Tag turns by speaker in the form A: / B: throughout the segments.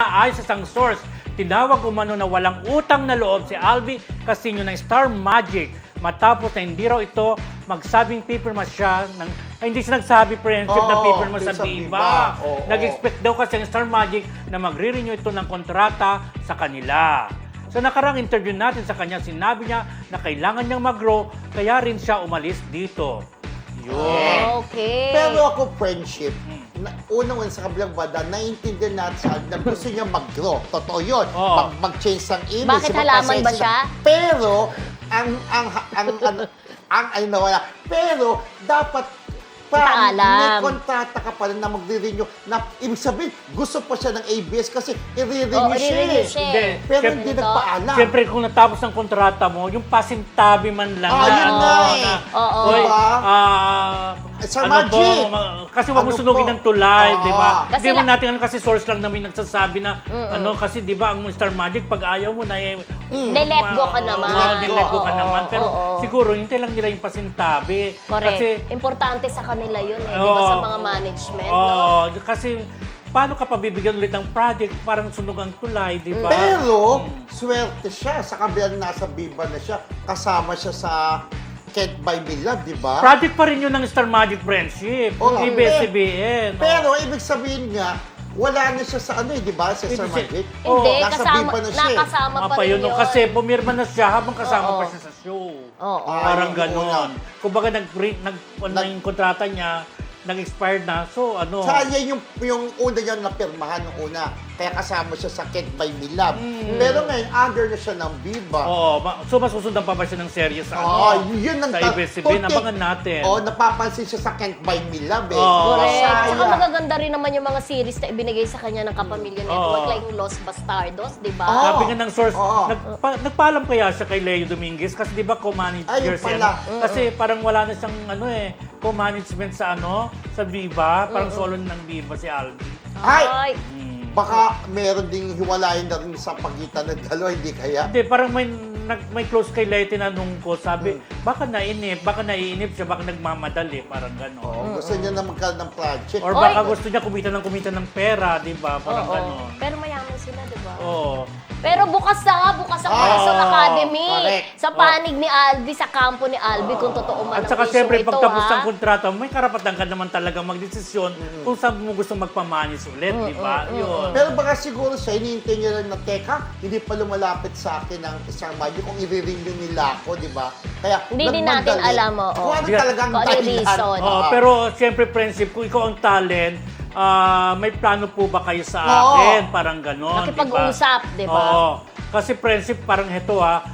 A: ayon sa isang source, tinawag umano na walang utang na loob si Alvi Casino ng Star Magic matapos na hindi raw ito magsabing pipirma siya ng hindi siya nagsabi friendship na pipirma sa
B: sa
A: Viva.
B: Oo.
A: Nag-expect daw kasi ang Star Magic na magre-renew ito ng kontrata sa kanila. Sa nakarang interview natin sa kanya, sinabi niya na kailangan niyang mag-grow kaya rin siya umalis dito. Yun.
C: Okay.
B: Pero ako, friendship, unang sa kabilang banda, naiintindihan natin sa na gusto niya mag-grow. Totoo yun.
A: Oo.
B: Mag-change ng image.
C: Bakit halaman ba siya?
B: Pero, ang nawala. Pero, dapat may
C: Paalam.
B: kontrata ka pa rin na magre-renew. Na, ibig sabihin, gusto pa siya ng ABS kasi i-renew
C: Oo,
B: siya.
C: i-renew siya.
A: Hindi.
B: Pero
A: Siyempre-
B: hindi nagpaalam.
A: Siyempre, kung natapos ang kontrata mo, yung pasintabi man lang
B: Yun nga eh.
C: Oo.
A: Hoy,
B: Diba? Sir
A: ano
B: Magic.
A: kasi wag mo
B: Ano
A: sunugin
B: po?
A: ng tulay,
B: Oo.
A: di ba?
C: Kasi
A: Hindi mo natin kasi source lang namin nagsasabi na, kasi di ba, ang Star Magic, pag ayaw mo na
C: Let go ka naman.
A: Let go ka
C: Oo,
A: naman. Pero
C: oo.
A: siguro, hintay lang nila yung pasintabi.
C: Correct.
A: Kasi,
C: Importante sa kanila yun eh, di ba, sa mga management, no?
A: Oo, kasi paano ka pabibigyan ulit ng project, parang sunog ang tulay, di ba?
B: Pero, swerte siya. Sa kabilang nasa Viva na siya. Kasama siya sa Can't Buy Me Love, di ba?
A: Project pa rin yun ng Star Magic Friendship.
B: Oo.
A: ABS-CBN.
B: Pero, ibig sabihin nga, wala na siya sa di ba? Sa Sir
A: Hindi
B: Magic.
C: Hindi,
B: Nasa
C: kasama,
B: Viva na siya eh.
C: nakasama pa rin
A: Yun,
C: yun.
A: kasi pumirma na siya habang kasama
C: Oo.
A: pa siya sa show.
C: Oo.
A: Parang
B: yung
A: ganon.
B: una.
A: Kumbaga yung kontrata niya, nag-expired na. So, ano.
B: Sa yan yung una niya napirmahan nung una. Kaya kasama siya sa Can't Buy Me Love. Pero ngayon, under na siya ng Viva.
A: Oo, so masusundan pa ba siya ng serye sa
B: Yun ang
A: sa ABS-CBN? Abangan natin.
B: napapansin siya sa Can't Buy Me Love eh.
A: Oo.
C: Correct.
B: Masaya.
C: Tsaka magaganda rin naman yung mga series na ibinigay sa kanya ng Kapamilya Network,
A: Oo.
C: like yung Los Bastardos, di ba?
A: Sabi nga ng source,
B: Oo.
A: nagpaalam kaya siya kay Leo Dominguez kasi di ba co-manager
B: Ayun
A: siya.
B: pala.
A: Kasi parang wala na siyang co-management sa Viva, parang solo ng Viva si Alvi.
B: Ay!
C: Ay,
B: Baka meron ding hiwalayan na rin sa pagitan ng dalawa, hindi kaya?
A: Hindi, parang may close kay Leo tinanong ko, sabi, baka naiinip siya, baka nagmamadali, parang gano'n.
B: Gusto niya na magkaroon ng project.
A: Or baka gusto niya kumita ng pera, di ba? Parang
C: oo.
A: gano'n.
C: Pero mayaman sila, di ba?
A: Oo.
C: Pero bukas ang Quezon Academy.
B: correct.
C: Sa panig ni Alvi, sa kampo ni Alvi, kung totoo man
A: At
C: ang
A: saka
C: issue
A: siyempre,
C: ito,
A: pagtapos
C: ha?
A: ng kontrata, may karapatan ka naman talaga magdesisyon kung saan mo gusto magpamanis ulit, di ba? Yun.
B: Pero baka siguro siya, hinihintay niya lang na, teka, hindi pa lumalapit sa akin ang isang Magic kung i-renew nila ako, di ba? Kaya,
C: Hindi din natin
B: nagmadali.
C: alam, oo.
B: Kung ano
A: Yeah.
B: talagang
C: Kung ano yung
B: dahilan.
C: reason.
A: Oh, pero siyempre, friendship, kung ikaw ang talent, may plano po ba kayo sa
B: Oo.
A: akin? Parang gano'n, di ba?
C: Nakipag-usap, di ba?
A: Oo. Kasi friendship, parang heto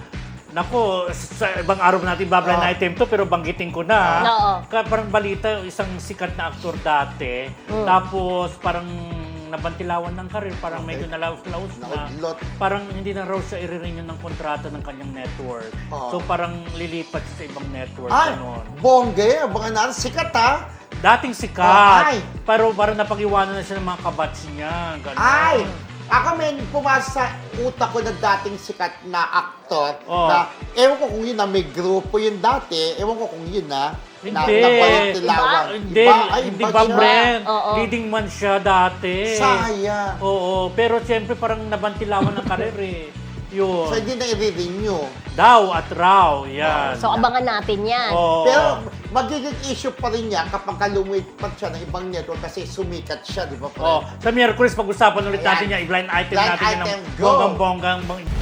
A: Nako, sa ibang araw natin babla na item to, pero banggitin ko na.
C: Oo.
A: Parang balita, isang sikat na aktor dati. Tapos parang nabantilawan ng karir, parang medyo nalaos-laos na.
B: Naudlot.
A: Parang hindi na raw siya i-renew ng kontrata ng kanyang network.
B: Oo.
A: So parang lilipat siya sa ibang network.
B: Ay,
A: Ganon.
B: bongge, abangan natin, sikat ha?
A: Dating sikat.
B: Ay.
A: Pero parang napag-iwanan na siya ng mga kabats niya. Ganon.
B: Ay! Ako may pumasok sa utak ko na dating sikat na aktor
A: Oo.
B: na, ewan ko kung yun na may grupo yun dati, ewan ko kung yun na,
A: Hindi.
B: nabalitilawan.
A: Hindi,
B: Ay,
A: hindi
B: iba
A: ba,
B: siya.
A: Bren?
C: Oo.
A: Leading man siya dati.
B: Sayang.
A: Oo, pero siyempre parang nabantilawan ng karir eh. Yun.
B: So, hindi na i-renew.
A: Daw at raw, yan.
C: So, abangan natin yan.
A: Oo.
B: Pero magiging issue pa rin niya kapag lumipat siya ng ibang network kasi sumikat siya, di ba?
A: Oh, sa Miyerkules, pag-usapan ulit natin
B: Ayan.
A: yan, i-blind item
B: Blind
A: natin yan
B: item,
A: ng
B: go.
A: bonggang-bonggang